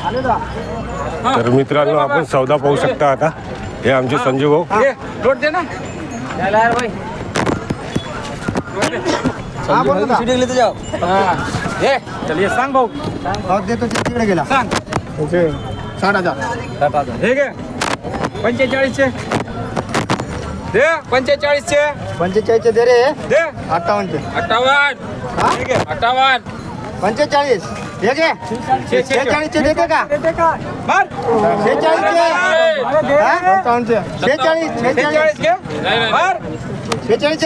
तर मित्रांनो आपण सौदा पाहू शकता आता. हे आमचे संजय भाऊ. लोट दे ना यार भाई. ले जाओ. ये चलिए सांग भाऊ. देतो तिकडे गेला. सांग 60,000. हे घे 45चे दे. 45चे 45 दे रे. दे. 58 58 हे घे 58 45 हे घे. 46 देते का? मार 46 46 घे. मार 46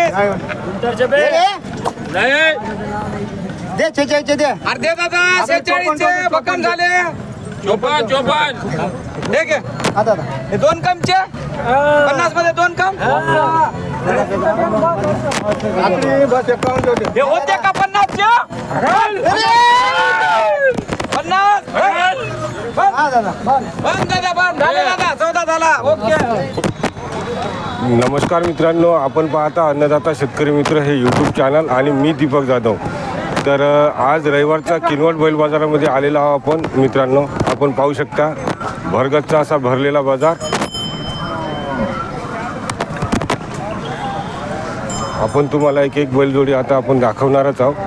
दे 46 दे. अरे दे दादा 46चे भक्कम झाले. 54 हे घे. आता हे 2 कमचे 50 मध्ये 2 कम. बस 51 हे होते का 50चे 50 हा दादा बंद दादा बंद झाले दादा. 14 झाला. ओके. नमस्कार मित्रांनो, आपण पाहता अन्नदाता शेतकरी मित्र हे यूट्यूब चॅनल आणि मी दीपक जाधव. तर आज रविवारचा किनवट बैल बाजारामध्ये आलेला आहोत आपण मित्रांनो. आपण पाहू शकता भरगच्चा असा भरलेला बाजार. आपण तुम्हाला एक एक बैलजोडी आता आपण दाखवणारच आहोत.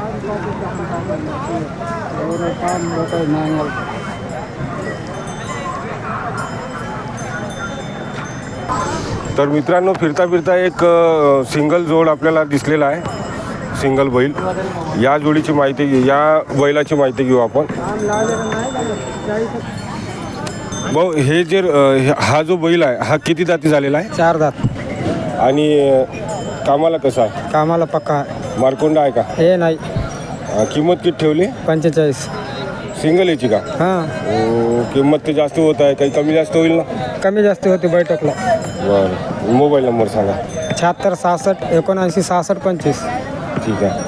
तर मित्रांनो फिरता फिरता एक सिंगल जोड आपल्याला दिसलेला आहे. सिंगल बैल. या जोडीची माहिती या बैलाची माहिती घेऊ आपण. भाऊ हे जे हा जो बैल आहे हा किती दाती झालेला आहे? 4 दात. आणि कामाला कसा आहे? कामाला पक्का. मारकोंडा आहे का? हे नाही. किंमत किती ठेवली? 45. सिंगल याची का? हां किंमत ते जास्त होत आहे, काही कमी जास्त होईल ना? कमी जास्त होते बैठकला. बरं. मोबाईल नंबर सांगा. 76 66 79 66 25. ठीक आहे.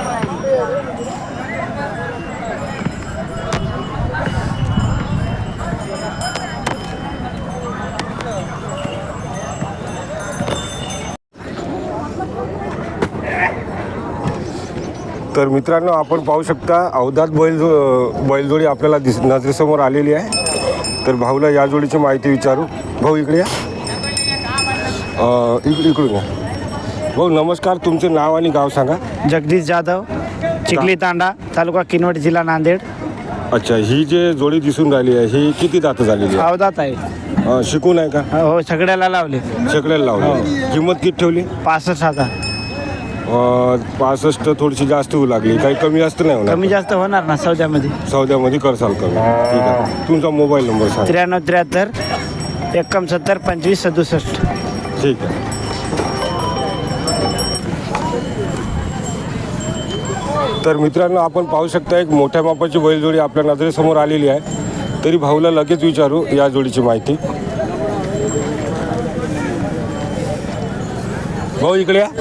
तर मित्रांनो आपण पाहू शकता अवधात बैलजोडी आपल्याला नजरेसमोर आलेली आहे. तर भाऊला या जोडीची माहिती विचारू. भाऊ इकडे या. इकडून या. भाऊ नमस्कार, तुमचं नाव आणि गाव सांगा. जगदीश जाधव, चिखली तांडा, तालुका किनवट, जिल्हा नांदेड. अच्छा, ही जे जोडी दिसून राहिली आहे ही किती दात झालेली आहे? अवधात आहे. शिकून आहे का? हो, सगळ्याला लावले. सगळ्याला लावली. किंमत किती ठेवली? 65,000. 65 थोडीशी जास्त होऊ लागली, काही कमी जास्त नाही होणार? कमी जास्त होणार ना सौद्यामध्ये. सौद्यामध्ये करसाल कमी. ठीक आहे. तुमचा मोबाईल नंबर सांगा. 93 73 71 25 67. ठीक आहे. तर मित्रांनो आपण पाहू शकता एक मोठ्या मापाची बैलजोडी आपल्या नजरेसमोर आलेली आहे. तरी भाऊला लगेच विचारू या जोडीची माहिती. भाऊ इकडे या.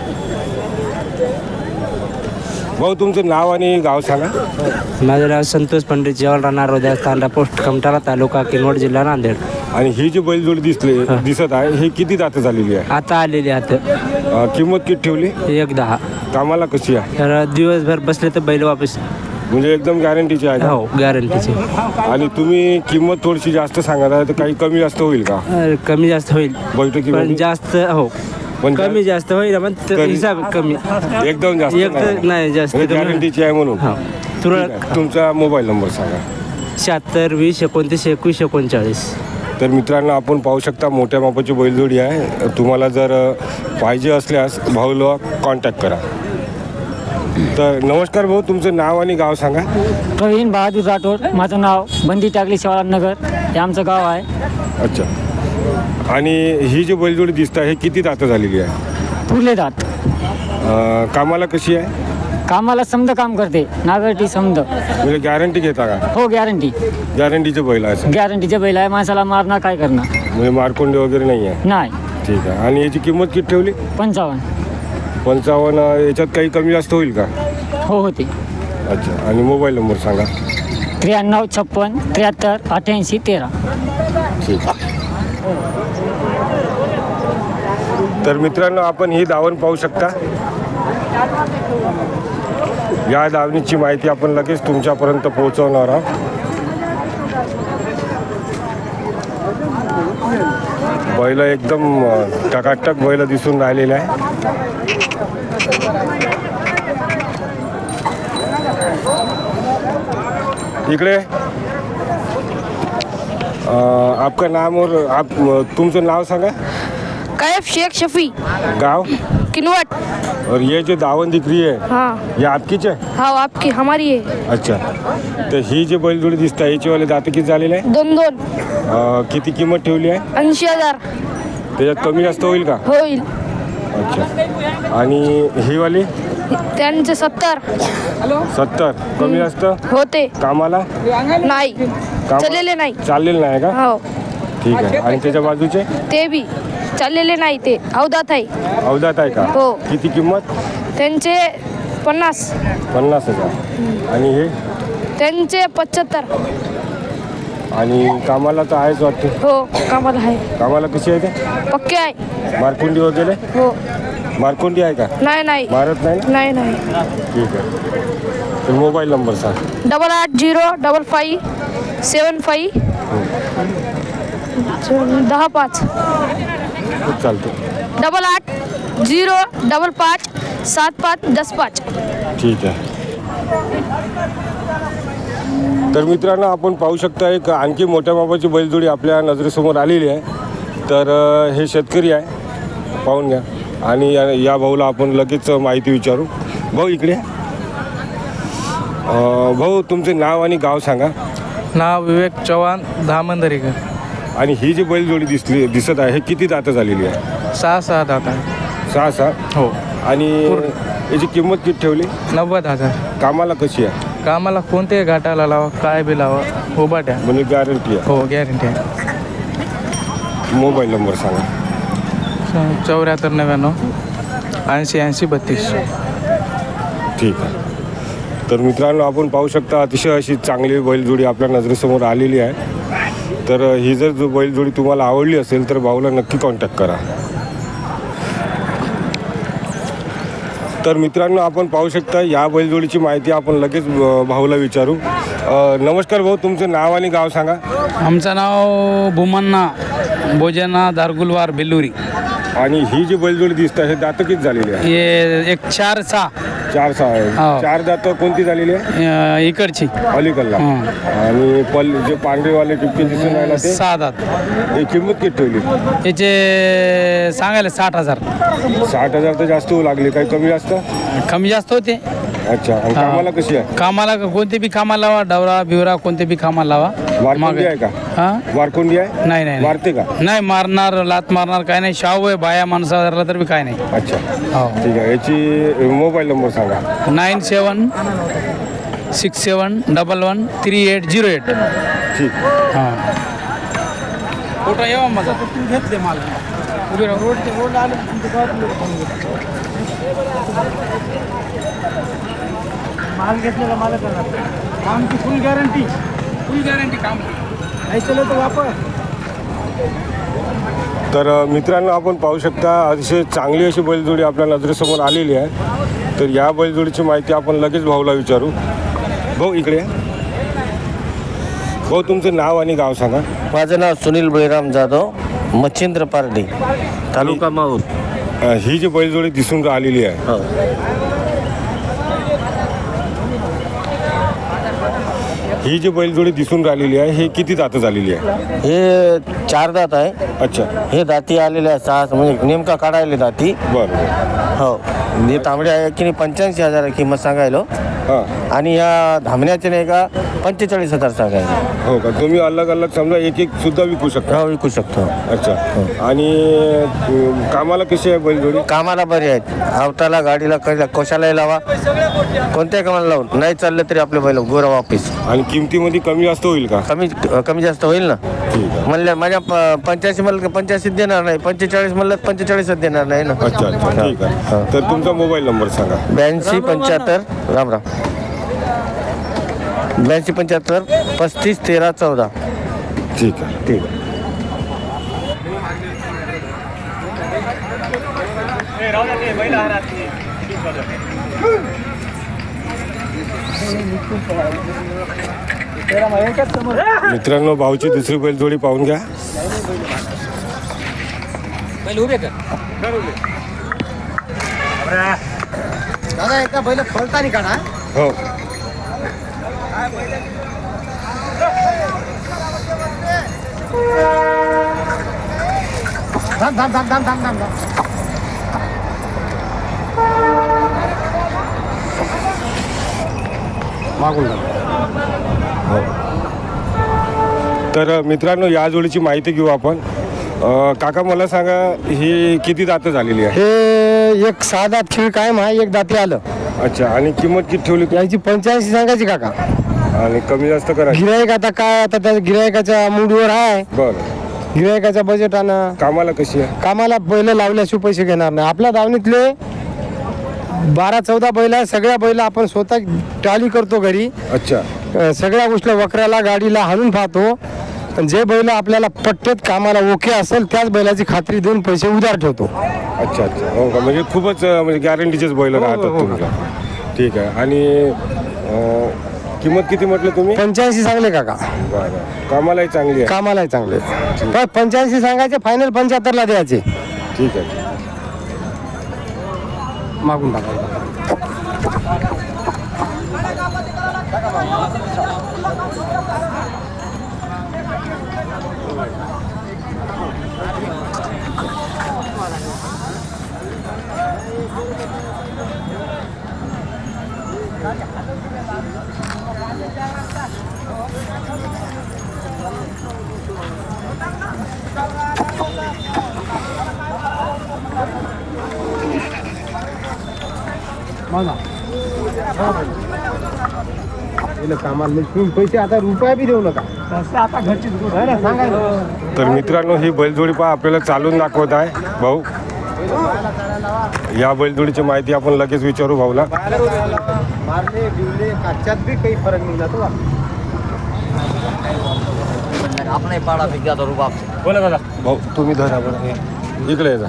भाऊ तुमचं नाव आणि गाव सांगा. माझं नाव संतोष पंडित जेवण राहणार रोद्या, तांडा पोस्ट कमटाला, तालुका किनवट, जिल्हा नांदेड. आणि ही जी बैलजोडी दिसत आहे ही किती दात झालेली आहे? आता आलेली आता. किंमत किती ठेवली? 1.10. कामाला कशी आहे? तर दिवसभर बसले तर बैल वापस. म्हणजे एकदम गॅरंटीची आहे का? हो, गॅरंटीची. आणि तुम्ही किंमत थोडीशी जास्त सांगत आहे तर काही कमी जास्त होईल का? कमी जास्त होईल बैठकीमध्ये? पण जास्त हो पण कमी जास्त होईल पण हिसाब कमी. एकदम जास्त नाही जास्त. गॅरंटीची आहे म्हणून. हो तुरळक. तुमचा मोबाईल नंबर सांगा. 76 20 29 21 39. तर मित्रांनो आपण पाहू शकता मोठ्या मापाची बैलजोडी आहे. तुम्हाला जर पाहिजे असल्यास भाऊला कॉन्टॅक्ट करा. तर नमस्कार भाऊ, तुमचं नाव आणि गाव सांगा. प्रवीण बहादूर राठोड. माझं नाव बंदी टाकली शिवाळानगर, हे आमचं गाव आहे. अच्छा. आणि ही जी बैलजोडी दिसत आहे हे किती दात झालेली आहे? पुरले दात. कामाला कशी आहे? कामाला समद काम करते, नागरटी समद. म्हणजे गॅरंटी घेता का? हो गॅरंटी. गॅरंटीचे बैल आहे? गॅरंटीचे बैल आहे. माणसाला मारणार काय करणार म्हणजे मारकोंडे वगैरे नाही आहे? नाही. ठीक आहे. आणि याची किंमत किती ठेवली? 55. 55. याच्यात काही कमी जास्त होईल का? हो होते. अच्छा. आणि मोबाईल नंबर सांगा. 93 56 73 88 13. ठीक आहे. तर मित्रांनो आपण ही दावण पाहू शकता. या दावणीची माहिती आपण लगेच तुमच्यापर्यंत पोहोचवणार आहोत. बैल एकदम टकाटक बैल दिसून राहिलेले आहे. इकडे आपका नाम और आप तुमचं नाव सांगा. कैफ शेख शफी गाव किनवट। और ये जो दावण दिख रही है हाँ ये आपकीच आहे. हाँ आपकी हमारी है। अच्छा तर ही जी बैलजोडी दिसत आहे याचीवाले दात किती झालेले आहे? 2-2 किती किंमत ठेवली आहे? 80,000 त्याच्यात कमी जास्त होईल का? होईल। अच्छा आणि ही वाली त्यांचे 70 70 कमी जास्त होते कामाला नाही चाललेले नाही। चाललेलं नाही का? हो ठीक आहे. आणि त्याच्या बाजूचे ते बी चाललेले नाही ते अवधात आहे। अवधात आहे का? हो। किती किंमत? त्यांचे 50 50,000 आणि हे त्यांचे 75 आणि कामाला तर आहेच वाटते. हो कामाला आहे कामाला कशी आहे ते? पक्के आहे। मारकुंडी वगैरे हो मारकुंडी आहे का? नाही नाही मारत नाही ना? नाही नाही। ठीक आहे. तर मोबाईल नंबर सांग. 8805 75 10-5 चालते. 8805 75 10-5। ठीक आहे. तर मित्रांनो आपण पाहू शकता एक आणखी मोठ्या मापाची बैलजोडी आपल्या नजरेसमोर आलेली आहे. तर हे शेतकरी आहे पाहून घ्या आणि या भाऊला आपण लगेच माहिती विचारू. भाऊ इकडे भाऊ तुमचे नाव आणि गाव सांगा. नाव विवेक चव्हाण धामंदरीकर. आणि ही जी बैलजोडी दिसत आहे हे किती दातं झालेली आहे? 6 दात आहे. 6 हो. आणि याची किंमत किती ठेवली? 90,000. कामाला कशी आहे? कामाला कोणत्याही घाटाला लावा काय बी लावा उभाट्या. म्हणजे गॅरंटी आहे? हो गॅरंटी आहे. मोबाईल नंबर सांगा. 7499 80 32. ठीक आहे. तर मित्रांनो आपण पाहू शकता अतिशय अशी चांगली बैलजोडी आपल्या नजरेसमोर आलेली आहे. तर ही जर जो बैलजोडी तुम्हाला आवडली असेल तर भाऊला नक्की कॉन्टॅक्ट करा. तर मित्रांनो आपण पाहू शकता या बैलजोडीची माहिती आपण लगेच भाऊला विचारू. नमस्कार भाऊ तुमचं नाव आणि गाव सांगा. आमचं नाव भूमन्ना भोजना दारगुलवार बेल्लुरी. आणि ही जी बैलजोडी दिसत आहे हे दातं किती झालेली आहे? हे एक 4-6 4 आहे. हो. 4 दातं कोणती झालेली आहे? इकडची अलीकडला. हं. आणि जे पांढरेवाले टिपके दिसून राहिला ते 6 दात. हे किंमत किती ठेवली? याचे सांगायला 60,000. 60,000 तर जास्त होऊ लागले. काही कमी जास्त? कमी जास्त होते. अच्छा. आणि कामाला कशी आहे? कामाला कोणते बी कामाला लावा डवरा बिवरा कोणते बी कामाला लावा. वारकोंडी आहे का? हां वारकोंडी आहे? नाही नाही मारते का? नाही मारणार लात मारणार काय नाही. शाहू आहे बाया माणसा धरला तर बी काय नाही. अच्छा हो. ठीक आहे. याची मोबाईल नंबर सांगा. 97 67 11 3808. ठीक. हां कुठं येवा माझा घेतले मला उभी राहा. रोड आले माल घेतलेला मालक कामची फुल गॅरंटी काम नाही चलो तर वापर. तर मित्रांनो आपण पाहू शकता अतिशय चांगली अशी बैलजोडी आपल्या नजरेसमोर आलेली आहे. तर या बैलजोडीची माहिती आपण लगेच भाऊला विचारू. भाऊ इकडे या. भाऊ तुमचं नाव आणि गाव सांगा. माझं नाव सुनील बळीराम जाधव मच्छिंद्र पारडी तालुका माहूर. ही जी बैलजोडी दिसून आलेली आहे हो. ही जी बैलजोडी दिसून राहिलेली आहे हे किती दातं झालेली आहे? हे 4 दात आहे. अच्छा हे दाती आलेले आहे 6 म्हणजे नेमका काढायला दाती. बरं. हो. हे तांबडे आहे की नाही 85,000 किंमत सांगायलो. हां आणि या धामण्याचे नाही का 45,000 सांगायला. हो का? तुम्ही अलग अलग समजा एक एक सुद्धा विकू शकता? हो विकू शकतो. अच्छा. आणि कामाला कशी आहे बैलजोडी? कामाला बरे आहेत. आवताला गाडीला कशालाही लावा कोणत्याही कामाला लावून नाही चाललं तरी आपले बैल गोरा वापिस. आणि किमतीमध्ये कमी जास्त होईल का? कमी जास्त होईल ना. ठीक आहे. म्हणलं माझ्या 85 म्हणलं 85 देणार नाही. 45 म्हणलं 45 देणार नाही ना. अच्छा अच्छा ठीक आहे. तर तुमचा मोबाईल नंबर सांगा. 82 75 राम राम 82 75 35 13 14. ठीक आहे. ठीक आहे. मित्रांनो भाऊची दुसरी बैलजोडी पाहून घ्या. पहिले उभे कर. दादा एकदा बैल फलतानी काढा. हो थांब थांब थांब थांब थांब थांब. मागून तर मित्रांनो या जोडीची माहिती घेऊ आपण. काका मला सांगा ही किती दातं झालेली आहे? हे एक 6 दात खिळ कायम आहे, एक दाती आलं. अच्छा, आणि किंमत किती ठेवली तू? याची 85 सांगायची काका. आणि कमी जास्त करायची? गिरायक आता काय, आता त्या गिरायकाच्या मूडवर आहे. बरं. गिरायकाच्या बजेटानं कामाला कशी आहे? कामाला बैल लावल्याशिवाय पैसे घेणार नाही. आपल्या दावणीतले 12-14 बैल आहे. सगळ्या बैल आपण स्वतः टाली करतो घरी. अच्छा. सगळ्या गोष्टी वखराला गाडीला हाणून पाहतो. पण जे बैल आपल्याला पट्ट्यात कामाला ओके असेल त्याच बैलाची खात्री देऊन पैसे उधार ठेवतो. अच्छा अच्छा. हो का, म्हणजे खूपच म्हणजे गॅरंटीचेच बैल राहतात तुमच्या. ठीक आहे. आणि किंमत किती म्हटलं तुम्ही? 85 सांगले काका. बरं. कामालाही चांगली आहे? कामालाही चांगले. पण 85 सांगायचे, फायनल 75 ला द्यायचे. ठीक आहे. मागून टाका. कामाला पैसे आता रुपया बी देऊ नका. आता घरची सांगा. तर मित्रांनो ही बैलजोडी पहा आपल्याला चालून दाखवत आहे भाऊ. या बैलजोडीची माहिती आपण लगेच विचारू भाऊला. मारले बिवले काच्यात बी काही फरक नाही जातो. आपण पाडा फिक्या तो रुबाब. बोला दादा. भाऊ तुम्ही धरा बरं, इकडे ये जा.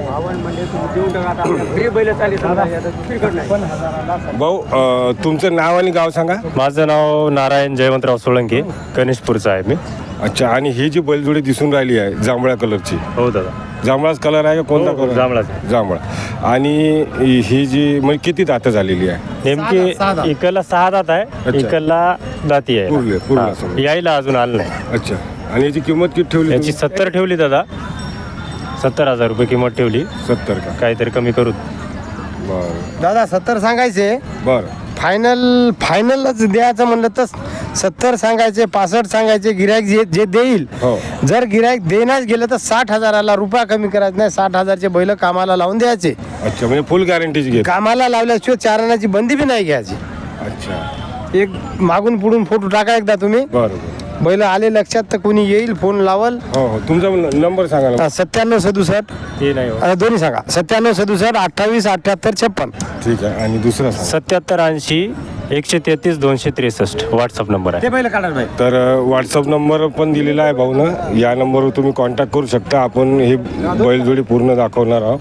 भाऊ तुमचं नाव आणि गाव सांगा. माझं नाव नारायण जयवंतराव सोळंके, गणेशपूरचा आहे मी. अच्छा, आणि ही जी बैलजोडी दिसून राहिली आहे जांभळ्या कलरची, हो दादा. जांभळाच कलर आहे का कोणता हो, कलर? जांभळाच. जांभळा. आणि ही जी म्हणजे किती दातं झालेली आहे? नेमकी इकडला 6 दात आहे, अच्छा. इकडला दाती पूर्ण आहे. असं. यायला अजून आलं नाही. अच्छा, आणि याची किंमत किती ठेवली? याची 70 ठेवली दादा. 70,000 रुपये किंमत ठेवली. 70 का? काहीतरी कमी करू. बरं दादा 70 सांगायचे. बरं. फायनलच द्यायचं म्हणलं तर 70 सांगायचे, 65 सांगायचे. गिरायक जे देईल, हो. जर गिरायक देण्यास गेलं तर 60,000ला रुपया कमी करायचं नाही. 60,000चे बैल कामाला लावून द्यायचे. अच्छा, म्हणजे फुल गॅरंटीची घेत. कामाला लावल्याशिवाय चारणाची बंदी बी नाही घ्यायची. अच्छा. एक मागून पुढून फोटो टाका एकदा तुम्ही. बरं. बैल आले लक्षात तर कोणी येईल, फोन लावल. हो हो, तुमचा नंबर सांगा ना. 9767 ते नाही हो. दोन्ही सांगा. 9767 28 78 56. ठीक आहे. आणि दुसरा सांगा. 77 80 133 263 व्हॉट्सअप नंबर आहे. ते बैल काढा बाई. तर व्हॉट्सअप नंबर पण दिलेला आहे भाऊनं. या नंबरवर तुम्ही कॉन्टॅक्ट करू शकता. आपण ही बैलजोडी पूर्ण दाखवणार आहोत.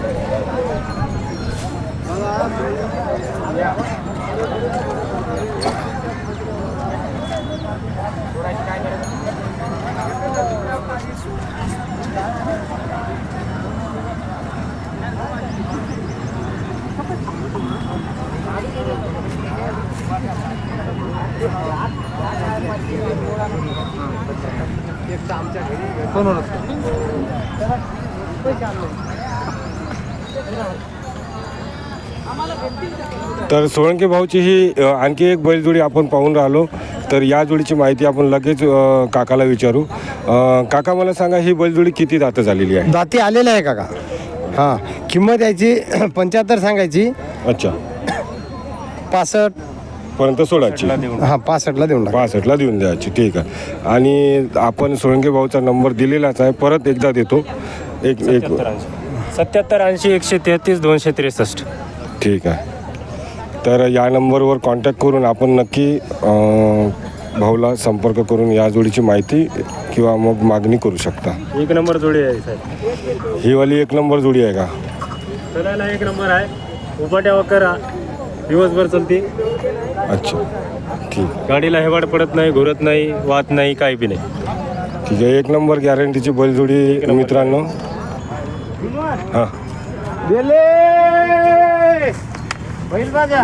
तर सोळंके भाऊची ही आणखी एक बैलजोडी आपण पाहून राहिलो. तर या जोडीची माहिती आपण लगेच काकाला विचारू. काका मला सांगा ही बैलजोडी किती दातं झालेली आहे? दाती आलेला आहे काका. हां, किंमत याची 75 सांगायची. अच्छा, 65 पर्यंत सोडायची. हां, 65ला देऊन टाका. 65ला देऊन द्यायची. ठीक आहे. आणि आपण सोळंके भाऊचा नंबर दिलेलाच आहे, परत एकदा देतो. एक 77 80 133 263. ठीक आहे. तर या नंबरवर कॉन्टॅक्ट करून आपण नक्की भाऊला संपर्क करून या जोडीची माहिती किंवा मग मागणी करू शकता. 1 नंबर जोडी आहे साहेब. ही वाली 1 नंबर जोडी आहे का? चलायला 1 नंबर आहे. उपाट्या करा, दिवसभर चलते. अच्छा, ठीक गाडीला हेवाड पडत नाही, घोरत नाही, वाहत नाही, काही बी नाही. ठीक आहे. 1 नंबर गॅरंटीची बैलजोडी मित्रांनो. हां गेले बैल बाजा.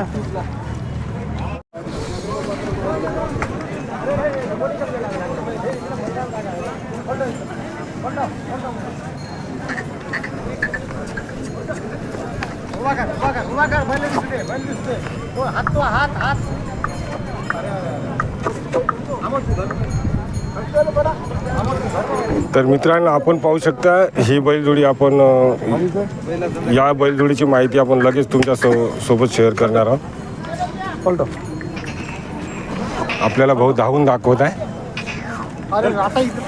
तर मित्रांनो आपण पाहू शकता ही बैलजोडी आपण या बैलजोडीची माहिती आपण लगेच तुमच्या सोबत शेअर करणार आहोत. आपल्याला भाऊ धावून दाखवत आहे. अरे आता इथं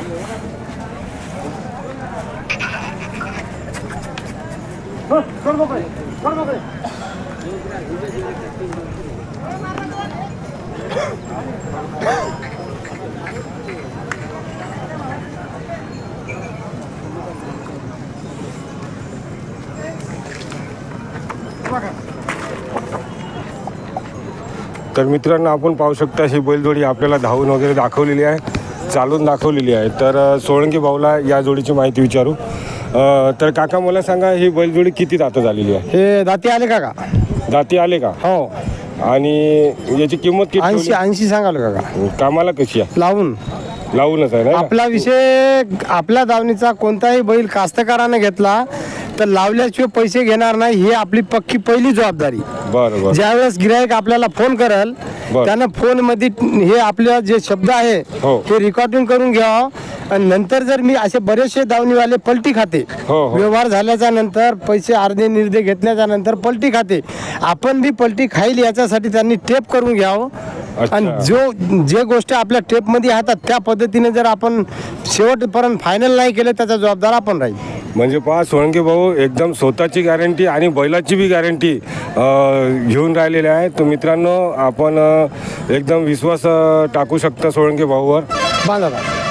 तर मित्रांनो आपण पाहू शकता ही बैलजोडी आपल्याला धावून वगैरे दाखवलेली आहे, चालून दाखवलेली आहे. तर सोळंकी भाऊला या जोडीची माहिती विचारू. तर काका मला सांगा ही बैलजोडी किती दातं झालेली आहे? हे दाती आले का? दाती आले का? हो. आणि याची किंमत किती 80 सांगाल काका? कामाला कशी आहे? लावूनच आहे ना. आपला विषय आपल्या दावणीचा कोणताही बैल कास्तकाराने घेतला तर लावल्याशिवाय पैसे घेणार नाही, ही आपली पक्की पहिली जबाबदारी. बरं. ज्यावेळेस गिरायक आपल्याला फोन करेल त्यानं फोन मध्ये हे आपले जे शब्द आहे हो. ते रेकॉर्डिंग करून घ्यावं. आणि नंतर जर मी असे बरेचसे दावणीवाले पलटी खाते, हो. व्यवहार झाल्याच्या नंतर पैसे अर्धे निर्धे घेतल्याच्या नंतर पलटी खाते, आपण बी पलटी खाईल याच्यासाठी त्यांनी टेप करून घ्यावं. आणि जे गोष्ट आपल्या टेप मध्ये हातात त्या पद्धतीने जर आपण शेवटपर्यंत फायनल नाही केलं त्याचा जबाबदार आपण राहील. म्हणजे पहा सोळंके भाऊ एकदम स्वतःची गॅरंटी आणि बैलाची बी गॅरंटी घेऊन राहिलेले आहे. तर मित्रांनो आपण एकदम विश्वास टाकू शकता सोळंके भाऊवर. बांधा.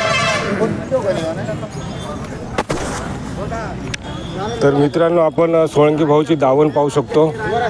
तर मित्रांनो आपण सोळंके भाऊची दावण पाहू शकतो.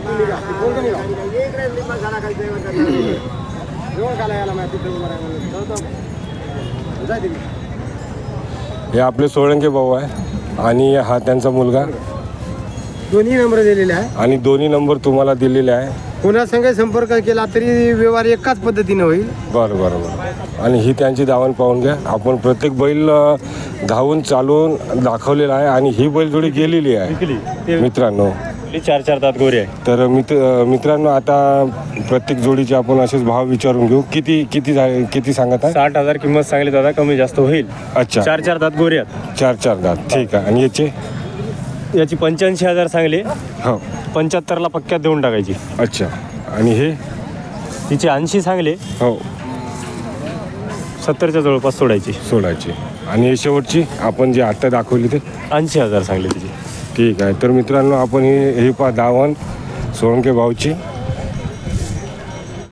हे आपले सोळंके भाऊ आहे आणि हा त्यांचा मुलगा. दोन्ही नंबर दिलेले आहे आणि दोन्ही नंबर तुम्हाला दिलेले आहे. पुन्हा संघ संपर्क केला तरी व्यवहार एकाच पद्धतीने होईल. बरं. आणि ही त्यांची दावण पाहून घ्या. आपण प्रत्येक बैल धावून चालवून दाखवलेला आहे आणि ही बैलजोडी गेलेली आहे मित्रांनो. 4 दात गोरे आहे. तर मित्रांनो आता प्रत्येक जोडीचे आपण असेच भाव विचारून घेऊ. किती सांगत आहे? 60,000 किंमत सांगली दादा, कमी जास्त होईल. अच्छा. 4 दात गोरे आहेत. 4 दात. ठीक आहे. आणि याची 85,000 सांगली. हो. 75ला पक्क्यात देऊन टाकायची. अच्छा. आणि हे तिचे 80 सांगले. हो. 70च्या जवळपास सोडायची. आणि हे शेवटची आपण जे आत्ता दाखवली ते 80,000 सांगले तिची. ठीक आहे. तर मित्रांनो आपण ही दावण सोळंके भाऊची